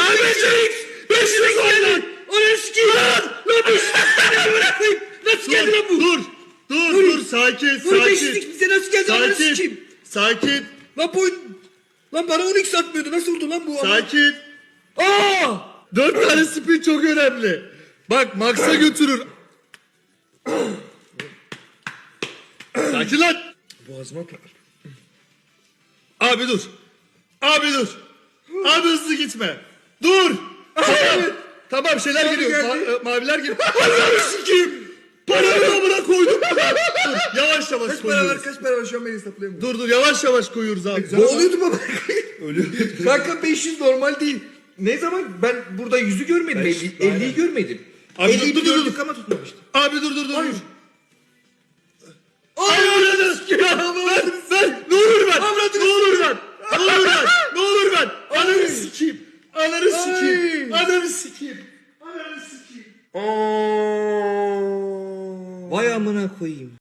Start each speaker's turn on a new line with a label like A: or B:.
A: Lan 500 var lan. Onu sikeyim. Lan 500 ne bırakayım. Nasıl geldi lan bu?
B: Dur sakin.
A: Bunu 500'lük bize nasıl geldi onu sikeyim.
B: Sakin.
A: Lan bu... Lan bana 12 satmıyordu. Nasıl oldu lan bu?
B: Sakin.
A: Aa!
B: 4 tane spin çok önemli. Bak Max'a götürür. Sakin lan.
A: Boğazıma takar.
B: Abi dur. Abi hızlı gitme. Dur. Tamam şeyler
A: Abi
B: geliyor.
A: geldi.
B: Maviler geliyor. Ananı sikeyim. Paranı amına koydum. Dur yavaş
A: Kaç para var
B: koyuyoruz.
A: kaç para var şu an beni hesaplayamıyorum.
B: Dur yavaş koyuyoruz abi.
A: Boğuluyordum ama. Ölüyordu. Kanka 500 normal değil. Ne zaman ben burada 100'ü görmedim. 50'yi görmedim.
B: Abi
A: 50'yi
B: dur.
A: gördük ama tutmamıştım.
B: Abi dur.
A: Hayır.
B: Ay ananı sikeyim. Ver. Ne olur ver. Ne olur ver. Ananı sikeyim.
A: Vay amına koyayım.